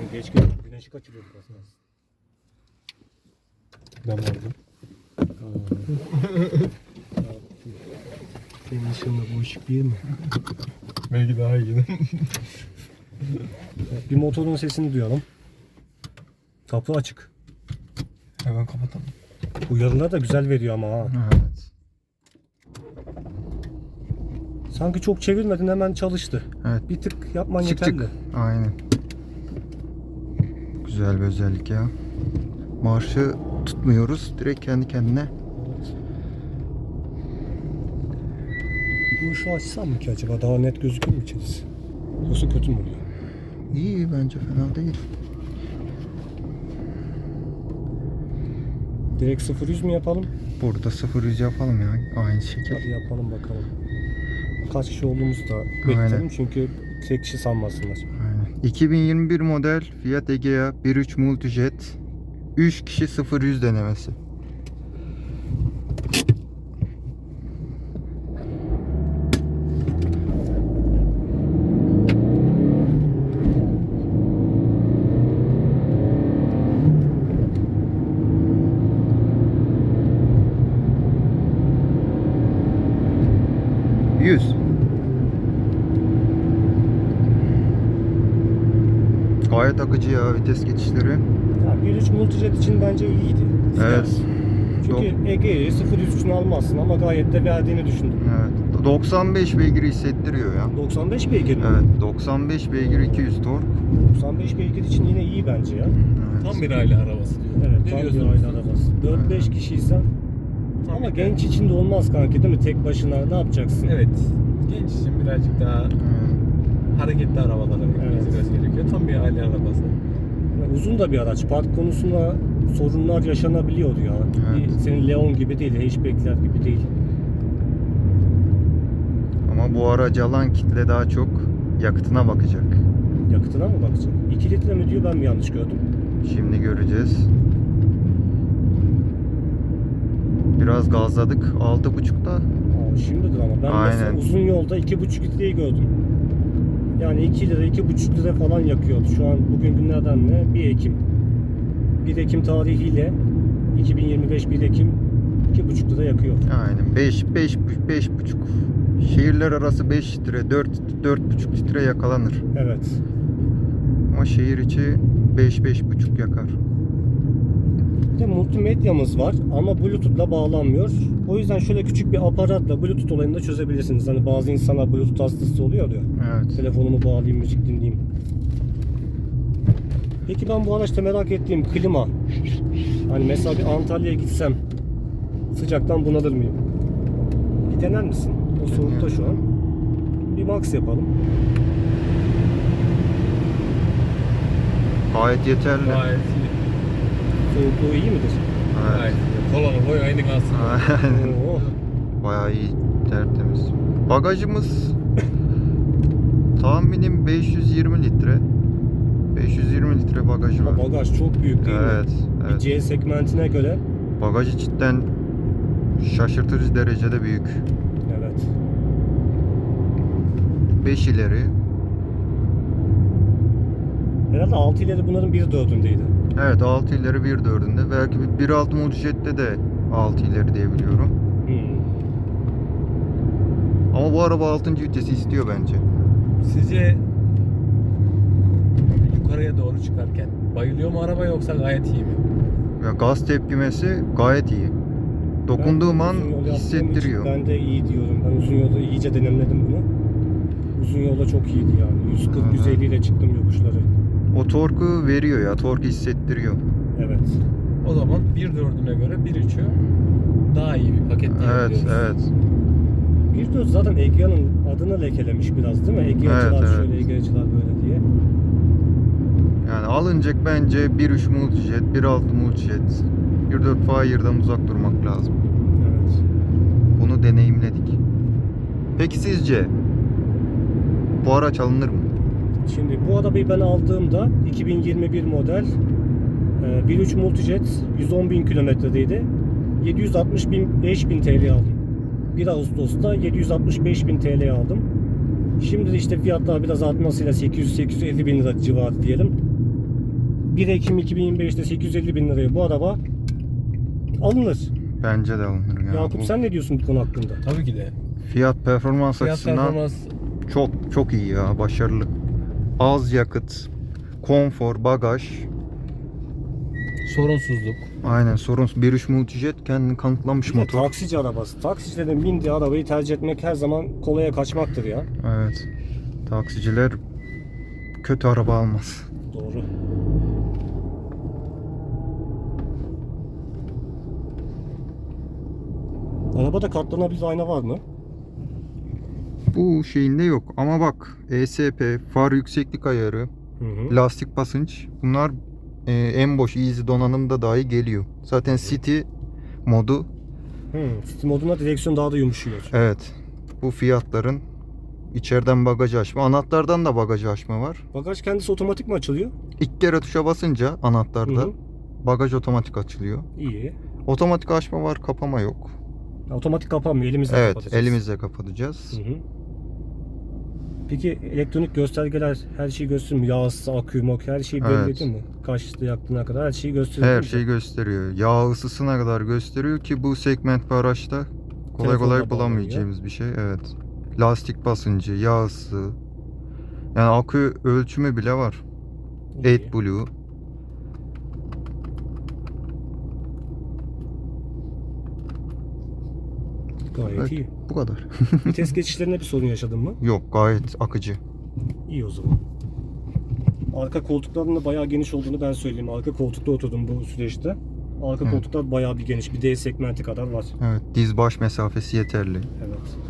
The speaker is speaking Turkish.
Geç geldim. Güneşi kaçırıyorduk aslında. Ben aldım. Senin ışığında bu ışık değil mi? Belki daha iyi. Evet, bir motorun sesini duyalım. Kapı açık. Hemen kapatalım. Uyarılar da güzel veriyor ama ha. Evet. Sanki çok çevirmedin, hemen çalıştı. Evet. Bir tık yapman Çık yeterli. çık. Aynen. Güzel bir özellik ya. Marşı tutmuyoruz. Direkt kendi kendine. Bu ışığı açsam mı ki acaba? Daha net gözükür mü içerisi? Yoksa kötü mü oluyor? İyi, bence fena değil. Direkt 0-100 mü yapalım? Burada 0-100 yapalım ya. Aynı şekil. Hadi yapalım bakalım. Kaç kişi olduğumuzu da Aynen. bekleyelim çünkü tek kişi sanmasınlar. Aynen. 2021 model Fiat Egea 1.3 Multijet 3 kişi 0-100 denemesi. Gayet akıcı ya vites geçişleri. Ya 1.3 Multijet için bence iyiydi. Evet. Çünkü Egea'yı 0-100 için almazsın ama gayet de verdiğini düşündüm. Evet. 95 beygir hissettiriyor ya. 95 beygir mi? Evet. 95 beygir 200 tork. 95 beygir için yine iyi bence ya. Evet. Tam bir aile arabası diyor. Evet, Ne tam bir diyorsun? aile arabası. 4-5 kişiysen Tam ama bir- genç için de olmaz kanki, değil mi? Tek başına ne yapacaksın? Evet. Genç için birazcık daha hareketli arabalara Evet. gitmesi gerekiyor. Tam bir aile arabası. Yani uzun da bir araç. Park konusunda sorunlar yaşanabiliyor ya. Evet. Senin Leon gibi değil, hatchback'ler gibi değil. Ama bu aracı alan kitle daha çok yakıtına bakacak. Yakıtına mı bakacak? 2 litre mi diyor, ben mi yanlış gördüm? Şimdi göreceğiz. Biraz gazladık. 6.5'da. Aa, şimdidir ama ben mesela Aynen. uzun yolda 2,5 litreyi gördüm. Yani 2 lira, 2,5 lira falan yakıyordu. Şu an bugün günlerden ne? 1 Ekim. 1 Ekim tarihiyle 2025 1 Ekim 2,5 lira yakıyor. Aynen. 5.5. Şehirler arası 5 litre, 4,5 litre yakalanır. Evet. Ama şehir içi 5-5.5 yakar. Bir de multimedyamız var ama Bluetooth'la bağlanmıyor. O yüzden şöyle küçük bir aparatla Bluetooth olayını da çözebilirsiniz. Hani bazı insanlar Bluetooth hastası oluyor ya. Evet. Telefonumu bağlayayım, müzik dinleyeyim. Peki ben bu araçta merak ettiğim klima. Hani mesela bir Antalya'ya gitsem sıcaktan bunalır mıyım? Bir dener misin? O soğukta şu an. Bir max yapalım. Gayet yeterli. Gayet iyi. Soğukluğu iyi midir? Evet. Gayet iyi. Kolonu boy aynı kalsın. Aynen. Oo. Bayağı iyi, tertemiz. Bagajımız tahminim 520 litre. 520 litre bagajı var. Ama bagaj çok büyük değil mi? Evet, Bir evet. C segmentine göre. Bagajı cidden şaşırtıcı derecede büyük. Evet. 5 ileri. Herhalde 6 ileri bunların 1/4'ündeydi. Evet, 6 ileri 1/4'ünde. Belki 1.6 Multijet'te de 6 ileri diye biliyorum. Ama bu araba 6. vitesi istiyor bence. Sizce yukarıya doğru çıkarken bayılıyor mu araba yoksa gayet iyi mi? Ya gaz tepkimesi gayet iyi. Dokunduğum Ben an uzun yol yaptığım hissettiriyor. için ben de iyi diyorum. Ben uzun yolda iyice deneyimledim bunu. Uzun yolda çok iyiydi yani. 140-150 ile çıktım yokuşları. O torku veriyor ya, torku hissettiriyor. Evet. O zaman 1.4'üne göre 1.3'ü daha iyi bir paket Evet, diyebiliyoruz. evet. 1.4 zaten Egea'nın adını lekelemiş biraz değil mi? Egea'cılar Evet, şöyle, evet. Egea'cılar böyle diye. Yani alınacak bence 1.3 Multijet, 1.6 Multijet, 1.4 Fire'dan uzak durmak lazım. Evet. Bunu deneyimledik. Peki sizce bu araç alınır mı? Şimdi bu arabayı ben aldığımda 2021 model 1.3 Multijet 110.000 kilometredeydi. 765.000 TL aldım. 1 Ağustos'ta 765.000 TL aldım. Şimdi de işte fiyatlar biraz artmasıyla 800-850 bin lira civarı diyelim. 1 Ekim 2025'te 850 bin liraya bu araba alınır. Bence de alınır ya. Yakup Bu sen ne diyorsun bu konu hakkında? Tabii ki de. fiyat performans Fiyat açısından performans çok iyi ya, başarılı. Az yakıt, konfor, bagaj. sorunsuzluk. Aynen, sorunsuz. 1.3 Multijet kendini kanıtlamış Bir de motor. taksici arabası. Taksicilerin bindiği arabayı tercih etmek her zaman kolaya kaçmaktır ya. Evet. Taksiciler kötü araba almaz. Doğru. Arabada katlanabilir ayna var mı? Bu şeyinde yok ama bak, ESP, far yükseklik ayarı, Hı hı. lastik basınç, bunlar en boş easy donanımda dahi geliyor. Zaten City modu, City modunda direksiyon daha da yumuşuyor. evet, bu fiyatların içeriden bagajı açma, anahtardan da bagajı açma var. Bagaj kendisi otomatik mi açılıyor? İlk kere tuşa basınca anahtarda Hı hı. bagaj otomatik açılıyor. İyi. Otomatik açma var, kapama yok. Otomatik kapanmıyor. Elimizle Evet, kapatacağız. elimizle kapatacağız. Hı hı. Peki elektronik göstergeler her şeyi gösteriyor mu? Yağ ısısı, akü, makü her şeyi belli Evet. ediyor mu? Kaçta yaktığına kadar her şeyi gösteriyor. Her değil mi? şeyi gösteriyor. Yağ ısısına kadar gösteriyor ki bu segment bir araçta kolay Telefonla kolay bulamayacağımız bir şey. Evet. Lastik basıncı, yağ ısı. Yani akü ölçümü bile var. İyi. AdBlue. Gayet Evet. iyi. Bu kadar. Vites geçişlerinde bir sorun yaşadın mı? Yok, gayet akıcı. İyi o zaman. Arka koltukların da bayağı geniş olduğunu ben söyleyeyim. Arka koltukta oturdum bu süreçte. Arka Hı. koltuklar bayağı bir geniş. Bir D segmenti kadar var. Evet, diz baş mesafesi yeterli. Evet.